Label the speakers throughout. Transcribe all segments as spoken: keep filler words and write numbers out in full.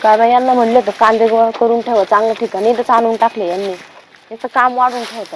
Speaker 1: काय बाई यांना म्हणलं तर कांदे गोळा करून ठेवा चांगल्या ठिकाणी, इथंच आणून टाकले यांनी. याचं काम वाढून ठेवतात.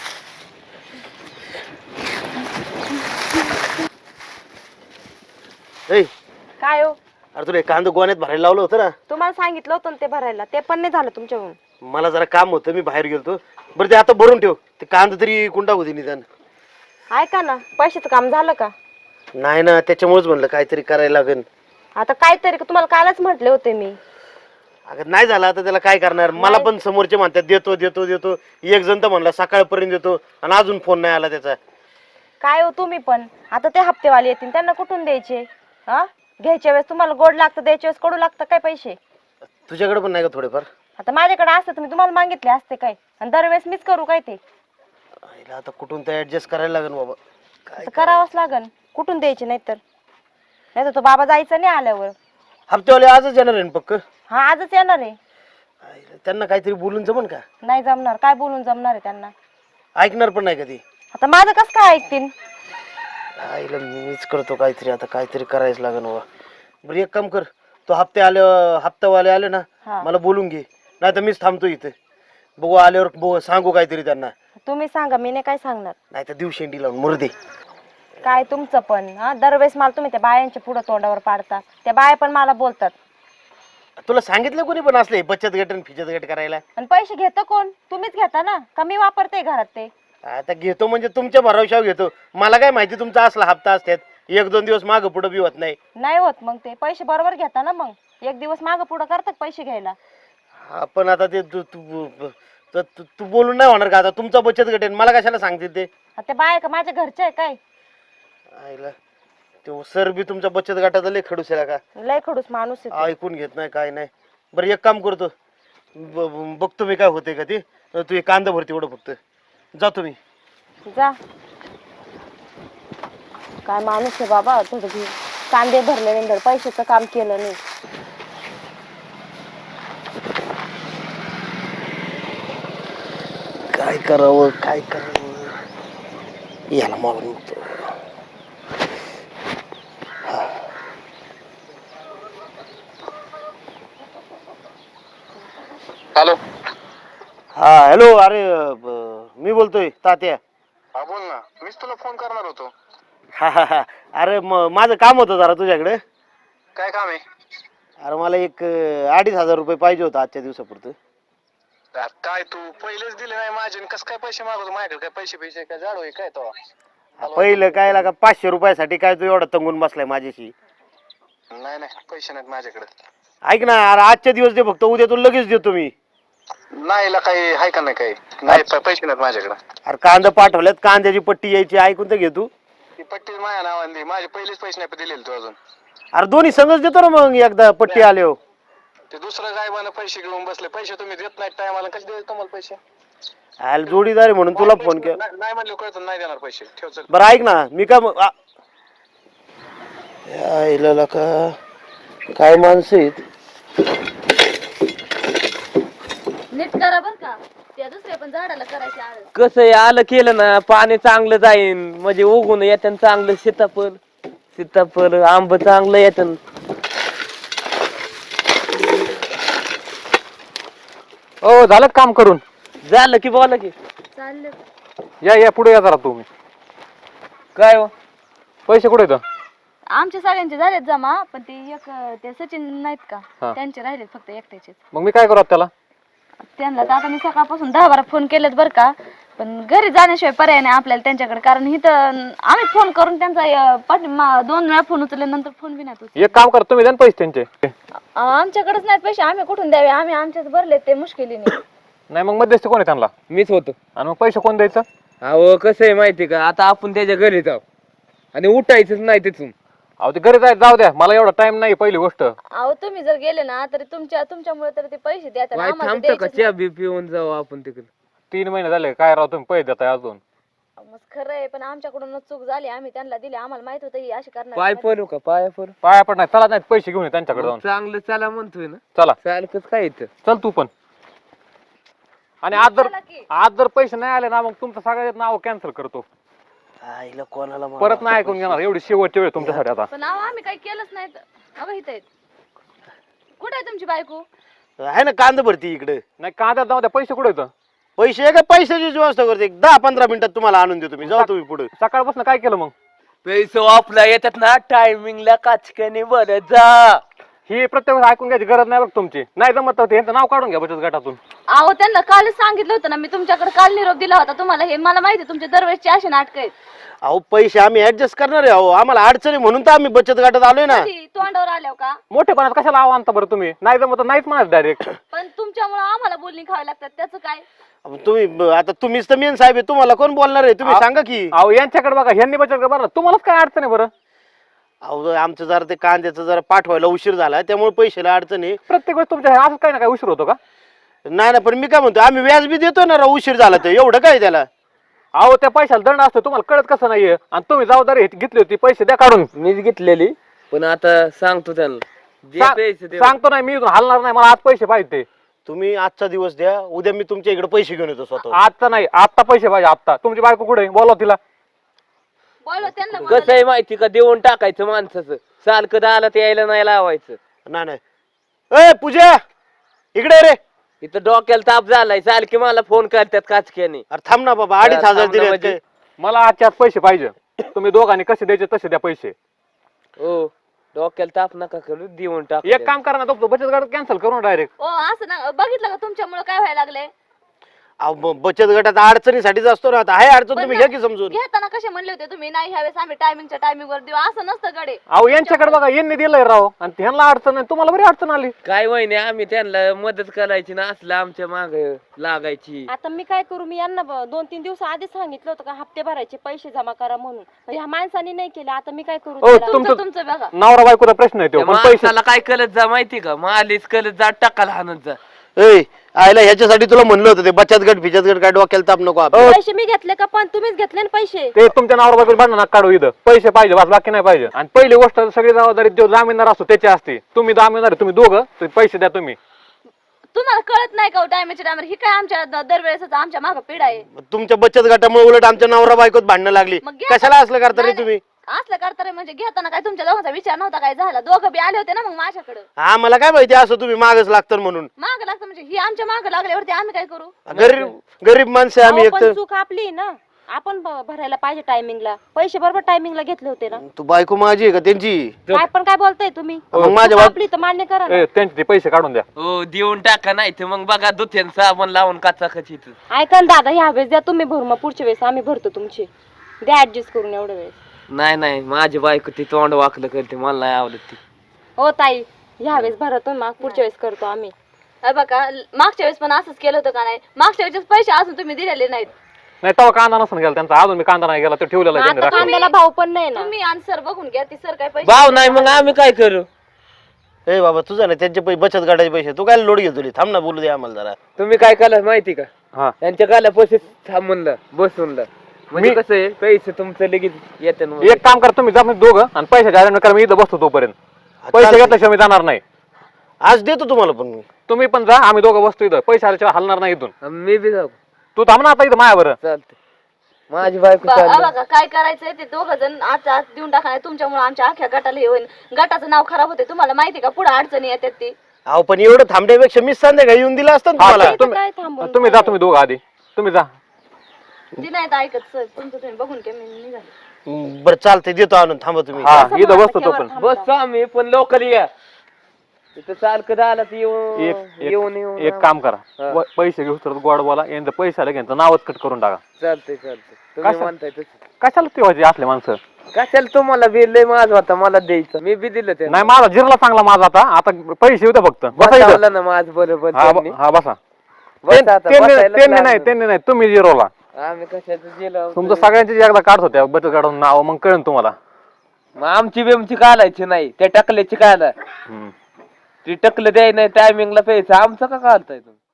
Speaker 2: ए
Speaker 1: काय हो?
Speaker 2: अरे तुला कांदा गोण्यात भरायला लावलं होतं ना.
Speaker 1: तुम्हाला सांगितलं होतं ना ते भरायला, ते पण नाही झालं तुमच्याकडून.
Speaker 2: मला जरा काम होतं, मी बाहेर गेलतो. बरं ते आता भरून ठेव, ते कांदा तरी कुंडा होती निदान.
Speaker 1: ऐका ना, पैशाचं काम झालं का?
Speaker 2: नाही ना, त्याच्यामुळेच म्हणलं काहीतरी करायला लागेल.
Speaker 1: आता काहीतरी तुम्हाला कालच म्हटले होते मी.
Speaker 2: अगं नाही झालं आता त्याला काय करणार. मला पण समोरचे म्हणतात देतो देतो देतो, एक जण तर म्हणला सकाळपर्यंत देतो आणि अजून फोन नाही आला त्याचा.
Speaker 1: काय हो तुम्ही पण, आता ते हप्तेवाले येतील त्यांना कुठून द्यायचे? हा, घ्यायच्या वेळेस तुम्हाला गोड लागतं, द्यायच्या वेळेस कडू लागतं काय पैसे?
Speaker 2: तुझ्याकडे पण नाही का थोडेफार?
Speaker 1: आता माझ्याकडे असतं तर मी तुम्हाला मागितले असते काय, आणि दरवेळेस मीच करू काय ते?
Speaker 2: आईला आता कुठून ते ऍडजस्ट करायला लागेल बाबा. काय
Speaker 1: करावंच लागन, कुठून द्यायचे नाहीतर. नाही तर तो बाबा जायचा नाही आल्यावर.
Speaker 2: हप्तेवाले आजच येणार आहे ना पक्क?
Speaker 1: हा आजच येणार आहे.
Speaker 2: आईला त्यांना काहीतरी बोलून जमन का?
Speaker 1: नाही जमणार, काय बोलून जमणार आहे त्यांना?
Speaker 2: ऐकणार पण नाही कधी.
Speaker 1: आता माझं कसं काय ऐकतील?
Speaker 2: आईला मीच करतो काहीतरी, आता काहीतरी करायच लागेल बाबा. बरं एक काम कर, तो हप्ते आले हप्तावाले आले ना,
Speaker 1: हा.
Speaker 2: मला बोलून घे, नाही तर मीच थांबतो इथे. बघू आल्यावर बघू सांगू काहीतरी त्यांना.
Speaker 1: तुम्ही सांगा, मी नाही काय सांगणार.
Speaker 2: नाही तर दिवस शेंडी लावून मुर्दे.
Speaker 1: काय तुमचं पण हा, दरवेळेस मला तुम्ही त्या बायांच्या पुढं तोंडावर पाडता. त्या बाया पण मला बोलतात.
Speaker 2: तुला सांगितलं कोणी पण असले बचत गट आणि फिचत गट करायला?
Speaker 1: आणि पैसे घेतो कोण? तुम्हीच घेता ना, कमी वापरते घरात ते.
Speaker 2: आता घेतो म्हणजे तुमच्या भरवशावर घेतो. मला काय माहिती तुमचा असला हप्ता असतात, एक दोन दिवस मागं पुढं बी होत नाही.
Speaker 1: नाही होत मग ते पैसे बरोबर घेता ना, मग एक दिवस मागं पुढं करतात पैसे घ्यायला.
Speaker 2: आपण आता ते तू तू तू- तू- तू बोलून नाही होणार का? आता तुमचा बचत गट आहे, मला कशाला सांगते ते?
Speaker 1: आता ते बाया का माझ्या घरचे आहे काय?
Speaker 2: आईला तो सर बी तुमच्या बचत गटाचा लय खडूस आहे का?
Speaker 1: लय खडूस माणूस आहे तो.
Speaker 2: ऐकून घेत नाही काय नाही. बरं एक काम करतो, ब- ब- बघतो मी काय होते का ते. तू एक कांदा भरती एवढं फक्त, जातो मी.
Speaker 1: जा. काय माणूस आहे बाबा, थोडं घे. कांदे भरले नंतर पैशाचं काम केलं नाही.
Speaker 2: काय करावं काय करावं, याला मागून बघतो.
Speaker 3: हॅलो.
Speaker 2: हा हॅलो. अरे ब- मी बोलतोय तात्या.
Speaker 3: हा बोल ना, मीच तुला फोन करणार होतो.
Speaker 2: हा हा हा. अरे म- माझं काम होतं जरा तुझ्याकडे.
Speaker 3: काय काम आहे?
Speaker 2: अरे मला एक अं, अडीच हजार रुपये पाहिजे होतं आजच्या दिवसापुरतं.
Speaker 3: यार, काय तू पहिलेच दिले नाही माझे, कस काय पैसे मागवतो? माझ्याकडे काय पैसे पैसे काय जाडो आहे काय तो?
Speaker 2: पहिलं काय लागा पाचशे रुपयासाठी काय तू एवढा तंगून बसलाय माझ्याशी?
Speaker 3: नाही नाही, पैसे नाहीत माझ्याकडे.
Speaker 2: ऐक ना, अरे आजच्या दिवस दे फक्त, उद्या तू लगेच देतो मी.
Speaker 3: नाही ला काही आहे का नाही काही? नाही प- पैसे नाहीत माझ्याकडे.
Speaker 2: अरे कांदा पाठवल्यात, कांद्याची पट्टी यायची, ऐकून तर घे तू.
Speaker 3: ती पट्टी माझ्या नावाने दे, माझे पहिलेच पैसे नाही दिलेले तू अजून.
Speaker 2: अरे दोन्ही संगच देतो ना मग एकदा पट्टी आल्यावर.
Speaker 3: ते दुसरं गायबानं पैसे घेऊन बसले, पैसे तुम्ही देत नाहीत टायमाला, कसे देऊ तुम्हाला पैसे?
Speaker 2: अरे जोडीदार आहे म्हणून तुला फोन केला.
Speaker 3: नाही नाही म्हणलं कळतं, नाही देणार पैसे. ठेव चल.
Speaker 2: बरं ऐक ना, मी का मग- आ- यायला का काय माणसं आहेत.
Speaker 1: नीट करा बर का, त्या दुसऱ्या पण झाडाला करायचे आळ.
Speaker 4: कसं आहे, आलं केलं ना पाणी चांगलं जाईन, म्हणजे उगून येतं चांगलं. सीताफळ सीताफळ आंब चांगलं येतं.
Speaker 5: ओ झालं काम करून?
Speaker 4: झालं की बोला की.
Speaker 1: चाललं.
Speaker 5: या या पुढे या जरा तुम्ही.
Speaker 4: काय हो?
Speaker 5: पैसे कुठे येतं?
Speaker 1: आमचे सगळ्यांचे झालेत जमा, पण ते एक ते सचिन नाहीत का,
Speaker 5: हा.
Speaker 1: त्यांचे राहिलेत फक्त एकट्याचे.
Speaker 5: मग मी काय करू आता त्याला?
Speaker 1: त्यांना तर आता मी सकाळपासून दहा बारा फोन केलेत बरं का, पण घरी जाण्याशिवाय पर्याय नाही आपल्याला त्यांच्याकडे. कारण इथं आम्ही फोन करून त्यांचा अं, पाठी मा- दोन वेळा फोन उचलले, नंतर फोन बी नाही उचलले.
Speaker 5: एक काम कर, तुम्ही द्या ना पैसे त्यांचे.
Speaker 1: अं, आमच्याकडेच नाहीत पैसे, आम्ही कुठून द्यावे? आम्ही आमच्याच भरलेत ते मुश्किलीने.
Speaker 5: नाही मग मध्यस्थी कोण आहे त्यांना?
Speaker 4: मीच होतो.
Speaker 5: आणि मग पैसे कोण द्यायचं?
Speaker 4: अहो कसं आहे माहिती का, आता आपण त्याच्या घरी जाऊ आणि उठायचंच नाही तिथून.
Speaker 5: अहो ते घरी जायचं, जाऊ द्या, मला एवढा टाइम नाही. पहिली गोष्ट
Speaker 1: अहो तुम्ही जर गेले ना, तर तुमच्या तुमच्यामुळे तर ते पैसे द्या.
Speaker 4: वाय थांबतो का, चहा बी पिऊन जाऊ आपण तिकडे.
Speaker 5: तीन महिने झाले काय राव तुम्ही पैसे देताय अजून?
Speaker 1: मग खरं आहे, पण आमच्याकडूनच चूक झाली. आम्ही त्यांना दिले, आम्हाला माहित होतं ही अशी करणार.
Speaker 4: पाय पडू का, पाय पडू?
Speaker 5: पाया पण नाही, चला नाही पैसे घेऊन ये त्यांच्याकडे जाऊन.
Speaker 4: चांगलं चला म्हणतोय ना.
Speaker 5: चला
Speaker 4: चालकच काय इथं.
Speaker 5: चल तू पण. आणि आज जर
Speaker 1: चला की.
Speaker 5: आज जर पैसे नाही आले ना, मग तुमचं सगळ्यात नाव कॅन्सल करतो.
Speaker 2: आईला कोणाला मारू?
Speaker 5: परत नाही ऐकून घेणार. एवढी शेवटची वेळ तुमच्यासाठी आता.
Speaker 1: पण अहो आम्ही काही केलंच नाही. अगं इथं आहेत. कुठे आहे तुमचे तुमची बायको?
Speaker 2: आहे ना कांदा भरती इकडे.
Speaker 5: नाही कांद्यात जाऊ द्या, पैसे कुठे येतं?
Speaker 2: पैसे आहे का पैशाची व्यवस्था करते, एक दहा पंधरा मिनिटात तुम्हाला आणून देतो मी. जाऊ तुम्ही पुढे.
Speaker 5: सकाळपासून काय केलं मग?
Speaker 4: पैसे वापला येतात ना टायमिंगला काचक्याने बरं जा.
Speaker 5: ही प्रत्येक वेळेस ऐकून घ्यायची गरज नाही बघ तुमची. नाही जमत तर यांचं नाव काढून घ्या बचत गटातून.
Speaker 1: अहो त्यांना कालच सांगितलं होतं ना मी, तुमच्याकडे काल निरोप दिला होता तुम्हाला. हे मला माहिती आहे तुमच्या दरवेळेसची अशी नाटक आहेत.
Speaker 2: अहो पैसे आम्ही ऍडजस्ट करणार आहे. अहो आम्हाला अडचणी म्हणून तर आम्ही बचत गटात आलोय ना.
Speaker 1: कधी तोंडावर आल्यावर का?
Speaker 5: मोठेपणात कशाला आव आणता बरं तुम्ही? नाही जमत तर नाहीच म्हणत डायरेक्ट.
Speaker 1: पण तुमच्यामुळे आम्हाला बोलणी खावी लागतात, त्याचं काय?
Speaker 2: अहो, तुम्ही ब- आता तुम्हीच तर मेन साहेब आहे, तुम्हाला कोण बोलणार आहे? तुम्ही
Speaker 5: अहो.
Speaker 2: सांगा की.
Speaker 5: अहो यांच्याकडे बघा, ह्यांनी बचत गट बरं, तुम्हालाच काय अडचण आहे बरं?
Speaker 2: अहो आमचं जरा ते कांद्याचं जरा पाठवायला उशीर झाला त्यामुळे पैशाला अडचण आहे.
Speaker 5: प्रत्येक वेळेस तुमच्या असं काही ना काय उशीर होतो का?
Speaker 2: नाही ना, पण मी काय म्हणतो आम्ही व्याज बी देतो ना राव, उशीर झाला तर एवढं काय त्याला.
Speaker 5: अहो त्या पैशाला दंड असतो, तुम्हाला कळत कसं नाहीये? आणि तुम्ही जबाबदारी घेतली होती, पैसे द्या काढून.
Speaker 4: मीच घेतलेली, पण आता सांगतो त्यांना जे
Speaker 5: सा-
Speaker 4: पैसे ते
Speaker 5: सांगतो नाही मी, इथून हलणार नाही, मला आज पैसे पाहिजे ते.
Speaker 2: तुम्ही आजचा दिवस द्या, उद्या मी तुमच्या इकडे पैसे घेऊन येतो स्वतः.
Speaker 5: आजचा नाही, आत्ता पैसे पाहिजे आत्ता. तुमची बायको कुठे आहे? बोलवा तिला.
Speaker 1: बोलव त्यांना.
Speaker 4: कसं
Speaker 1: बोलव.
Speaker 4: आहे माहिती का, देऊन टाकायचं माणसाचं. सारखं दाला ते यायला नाही लावायचं.
Speaker 2: नाही नाही. ए पूजा इकडे रे.
Speaker 4: इथं डोक्याला ताप झालाय, सारखी मला फोन करतात काचक्याने.
Speaker 2: अरे थांब ना बाबा, अडीच
Speaker 4: थांब
Speaker 2: हजार
Speaker 4: ना
Speaker 2: दिले
Speaker 4: म्हणजे.
Speaker 2: काय?
Speaker 5: मला आजच्या आज पैसे पाहिजे. तुम्ही दोघांनी कसे द्यायचे तसे द्या पैसे.
Speaker 4: हो डोक्याला ताप नका करू, देऊन टाक.
Speaker 5: एक काम करा ना, तो बचत गट कॅन्सल करून डायरेक्ट.
Speaker 1: ओ असं ना, बघितलं का तुमच्यामुळे काय व्हायला लागले?
Speaker 2: अहो, ब- बचत गटात अडचणीसाठीच असतो ना. आता आहे अडचण,
Speaker 1: पण
Speaker 2: तुम्ही
Speaker 1: ना,
Speaker 2: घ्या की समजून.
Speaker 1: घेताना कसे म्हणले होते तुम्ही, नाही ह्यावेळेस आम्ही टायमिंगच्या टायमिंग वर देऊ, असं नसतं गडे.
Speaker 5: अहो यांच्याकडे बघा, यांनी दिलंय राव, आणि ह्यांना अडचण नाही, तुम्हाला बरी अडचण आली.
Speaker 4: काय वहिनी, आम्ही त्यांना मदत करायची ना, असलं आमच्या माग लागायची.
Speaker 6: आता मी काय करू? मी यांना ब- दोन तीन दिवस आधीच सांगितलं होतं का हप्ते भरायचे पैसे जमा करा म्हणून. पण ह्या माणसाने नाही केले. आता मी काय करू
Speaker 5: हो,
Speaker 6: त्याला?
Speaker 5: तुम-
Speaker 1: तुमचं तुमचं बघा.
Speaker 5: नवरा बायकोचा प्रश्न आहे तो,
Speaker 4: त्या
Speaker 5: पण पैसे
Speaker 4: माणसाला काय कळत जा माहिती का, मालीच कळत जा, टाकाला हाणत जा.
Speaker 2: ए आयला ह्याच्यासाठी तुला म्हणलं होतं ते बचत गट फिचत गट काय डोक्याला ताप नको आपल्याला.
Speaker 6: पैसे मी घेतले का? पण तुम्हीच घेतले ना पैसे.
Speaker 5: ते तुमच्या नवरा बायको भांडण नका काढू. इथं पैसे पाहिजे बस, बाकी नाही पाहिजे. आणि पहिली गोष्ट, सगळी जबाबदारी जो जामीनदार असतो त्याची असते. तुम्ही जामीनदार आहे, तुम्ही दोघं, तर पैसे द्या तुम्ही.
Speaker 1: तुम्हाला कळत नाही का टायमिंगच्या टायमर? ही काय आमच्या द- दरवेळेस आमच्या मागं पिढ आहे.
Speaker 2: तुमच्या बचत गटामुळे उलट आमच्या नवरा बायकोत भांडणं लागली.
Speaker 1: मग घ्या
Speaker 2: कशाला असलं करता रे
Speaker 1: नाही,
Speaker 2: तुम्ही?
Speaker 1: असलं करता म्हणजे घेताना काय तुमच्या दोघांचा विचार नव्हता काय झाला? दोघं बी आले होते ना मग माझ्याकडे.
Speaker 2: हा मला काय माहिती असं तुम्ही मागच लागतं म्हणून.
Speaker 1: माग लागतं म्हणजे ही आमच्या माग लागल्यावरती आम्ही काय करू?
Speaker 2: गरीब गरीब माणसं आहे आम्ही
Speaker 6: अहो, पण
Speaker 2: एकतर.
Speaker 6: चूक आपली आहे ना. आपण भ- भरायला पाहिजे टायमिंगला. पैसे बरोबर टायमिंगला घेतले होते ना.
Speaker 2: तू बायको माझी आहे का त्यांची?
Speaker 6: काय पण काय बोलताय तुम्ही?
Speaker 2: मग
Speaker 6: चूक
Speaker 2: माझ्या बाब-
Speaker 6: आपली तर मान्य करा ना.
Speaker 5: ए, त्यांचे ते पैसे काढून द्या.
Speaker 4: हो देऊन टाका, नाही तर मग बघा दुथ्यान साबण लावून काचा खचित.
Speaker 6: ऐका ना दादा, ह्या वेळेस द्या तुम्ही भरून, मग पुढच्या वेळेस आम्ही भरतो तुमचे. द्या ऍडजस्ट करून एवढ्या वेळेस.
Speaker 4: नाही नाही, माझी बायको ती तोंड वाकलं करते, मला नाही आवडत ती.
Speaker 6: हो ताई, ह्या वेळेस भरतो, मग पुढच्या वेळेस करतो आम्ही.
Speaker 1: हे बघा मागच्या वेळेस पण असंच केलं होतं का नाही? मागच्या वेळेस पैसे अजून तुम्ही दिलेले नाहीत.
Speaker 5: नाही तेव्हा कांदा नसून गेला त्यांचा, अजून मी कांदा नाही गेला, तो ठेवलेला आहे त्यांनी
Speaker 6: आता
Speaker 5: राखून.
Speaker 6: कांद्याला भाव पण नाही ना.
Speaker 1: तुम्ही आणि सर बघून घ्या, ती सर काय पैसे
Speaker 4: भाव नाही मग आम्ही काय करू?
Speaker 2: ए बाबा तुझा ना त्यांचे पैसे बचत गटाचे पैसे तू काय लोड घेतो रे? थांब ना बोलू दे आम्हाला जरा.
Speaker 4: तुम्ही काय केलं माहिती का,
Speaker 5: हा
Speaker 4: त्यांच्या गाला पैसे थांबून बसून म्हणजे
Speaker 5: मी-
Speaker 4: कसं आहे, पैसे तुमचं लगेच येते.
Speaker 5: एक काम करा, तुम्ही जा म्हणजे दोघं, आणि पैशाच्या अरेंज करा, मी इथं बसतो तोपर्यंत. पैसे
Speaker 2: चालतंय.
Speaker 5: घेतल्याशिवाय मी जाणार नाही.
Speaker 2: आज देतो तुम्हाला पण मी.
Speaker 5: तुम्ही पण जा, आम्ही दोघं बसतो इथं. पैसे आल्याशिवाय हलणार नाही इथून.
Speaker 4: मी बी जाऊ.
Speaker 5: तू थांब ना आता इथं माया बरं.
Speaker 4: चालते, माझी बायको
Speaker 1: ब-
Speaker 4: चालली.
Speaker 1: हा बघा काय करायचंय ते दोघं जण आज आज देऊन टाका, नाही तुमच्यामुळे आमच्या अख्ख्या गटाला हे होईल. गटाचं नाव खराब होते. तुम्हाला माहिती का पुढे अडचणी येतात ती.
Speaker 2: अहो पण एवढं थांबण्यापेक्षा मी संध्याकाळी येऊन दिला असतं ना
Speaker 5: हा,
Speaker 2: तुम्हाला.
Speaker 5: तुम्ही
Speaker 6: काय थांबून
Speaker 5: तुम्ही जा, तुम्ही दोघं आधी तुम्ही जा.
Speaker 1: ती नाही तर ऐकत सर, तुमचं तुम्ही बघून घ्या, मी निघाले.
Speaker 2: हम्म, बरं चालतंय देतो आणून, थांबा तुम्ही.
Speaker 5: हा
Speaker 6: कसं
Speaker 5: इथं
Speaker 6: मला
Speaker 5: बसतो तो
Speaker 6: केव्हा
Speaker 5: पण.
Speaker 6: थांबता?
Speaker 4: बसतो आम्ही पण लोकल या इथं सारखं झालं तर येऊन
Speaker 5: एक
Speaker 4: येऊन
Speaker 5: एक
Speaker 4: येऊन
Speaker 5: एक काम करा,
Speaker 4: हा.
Speaker 5: व- पैसे घेऊ तर गोड बोला, यांचं पैसे आले यांचं नावच कट करून टाका.
Speaker 4: चालतंय चालतंय, तुम्ही
Speaker 5: कसं?
Speaker 4: म्हणताय तसं.
Speaker 5: कशाला ठेवायचे असले माणसं?
Speaker 4: कशाला तुम्हाला बिल लय माझं होता, मला द्यायचं, मी बी दिलं ते.
Speaker 5: नाही माझा जिरला चांगला माझा आता आता पैसे होते फक्त. बसा इथं.
Speaker 4: बसवलं ना माझं बरोबर
Speaker 5: हा
Speaker 4: त्यांनी.
Speaker 5: ब- हा बसा.
Speaker 4: बस आता,
Speaker 5: त्यांनी
Speaker 4: बसायलाच
Speaker 5: त्यांनी नाही
Speaker 4: लागलं.
Speaker 5: त्यांनी नाही तुम्ही जिरोला.
Speaker 4: आम्ही कशाचं गेलो
Speaker 5: तुमचं सगळ्यांची एकदा काढत होत्या बचत काढून नाव, मग कळेल तुम्हाला.
Speaker 4: मग आमची बेमची काढायची नाही, त्या टकल्याची काढा.
Speaker 5: हम्म.
Speaker 4: ती टकलं द्याय नाही टायमिंगला पैसे, आमचं का काढताय तुम्ही?